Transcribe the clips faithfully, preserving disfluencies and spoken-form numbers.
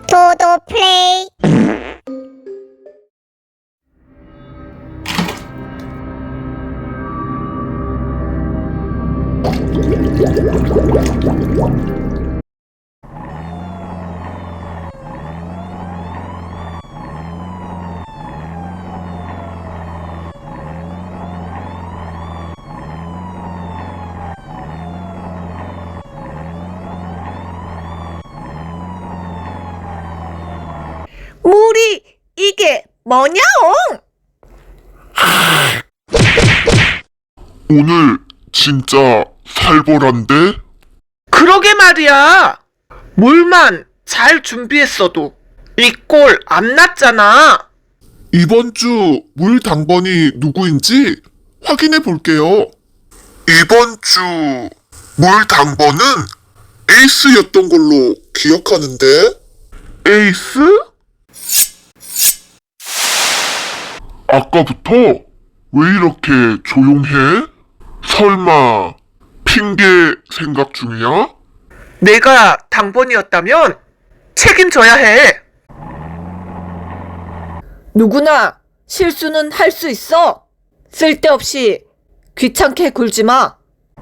도도 플레이. 물이 이게 뭐냐옹? 오늘 진짜 살벌한데? 그러게 말이야. 물만 잘 준비했어도 이 꼴 안 났잖아. 이번 주 물 당번이 누구인지 확인해 볼게요. 이번 주 물 당번은 에이스였던 걸로 기억하는데? 에이스? 아까부터 왜 이렇게 조용해? 설마 핑계 생각 중이야? 내가 당번이었다면 책임져야 해. 누구나 실수는 할 수 있어. 쓸데없이 귀찮게 굴지 마.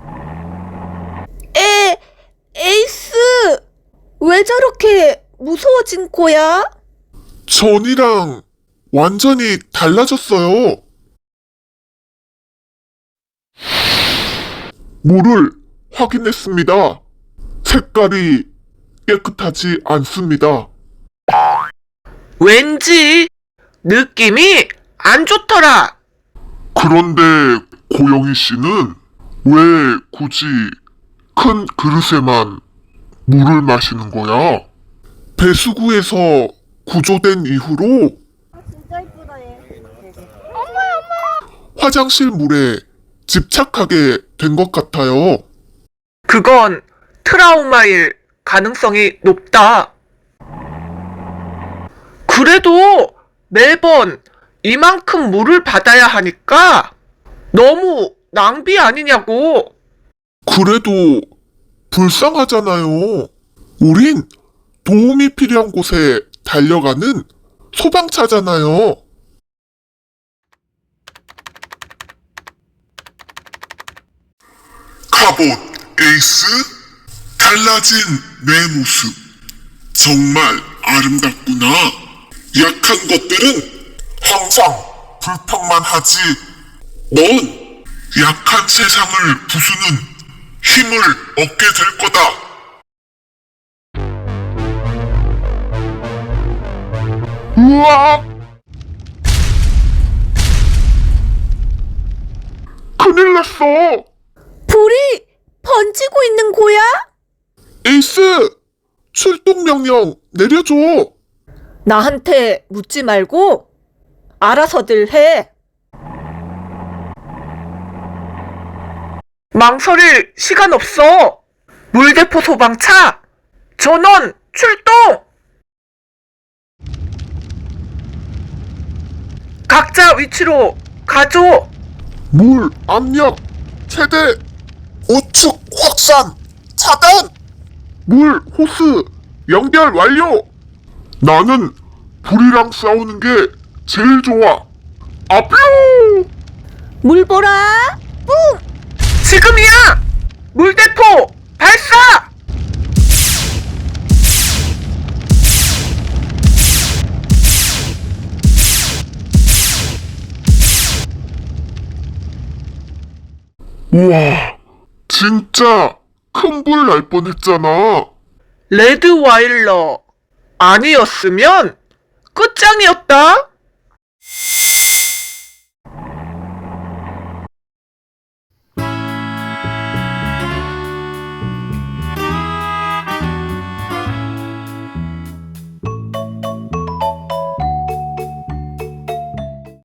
에, 에이스! 왜 저렇게 무서워진 거야? 전이랑 완전히 달라졌어요. 물을 확인했습니다. 색깔이 깨끗하지 않습니다. 왠지 느낌이 안 좋더라. 그런데 고영희 씨는 왜 굳이 큰 그릇에만 물을 마시는 거야? 배수구에서 구조된 이후로 화장실 물에 집착하게 된 것 같아요. 그건 트라우마일 가능성이 높다. 그래도 매번 이만큼 물을 받아야 하니까 너무 낭비 아니냐고. 그래도 불쌍하잖아요. 우린 도움이 필요한 곳에 달려가는 소방차잖아요. 갑옷 에이스, 달라진 내 모습 정말 아름답구나. 약한 것들은 항상 불평만 하지. 넌 약한 세상을 부수는 힘을 얻게 될 거다. 우와! 큰일 났어! 불이 번지고 있는 거야? 에이스! 출동 명령 내려줘! 나한테 묻지 말고 알아서들 해. 망설일 시간 없어. 물대포 소방차 전원 출동! 각자 위치로 가죠. 물 압력 최대! 우측 확산 차단! 물 호스 연결 완료! 나는 불이랑 싸우는 게 제일 좋아. 아뾰! 물 보라. 뿜! 지금이야! 물대포 발사! 우와, 진짜 큰 불 날 뻔했잖아. 레드와일러 아니었으면 끝장이었다.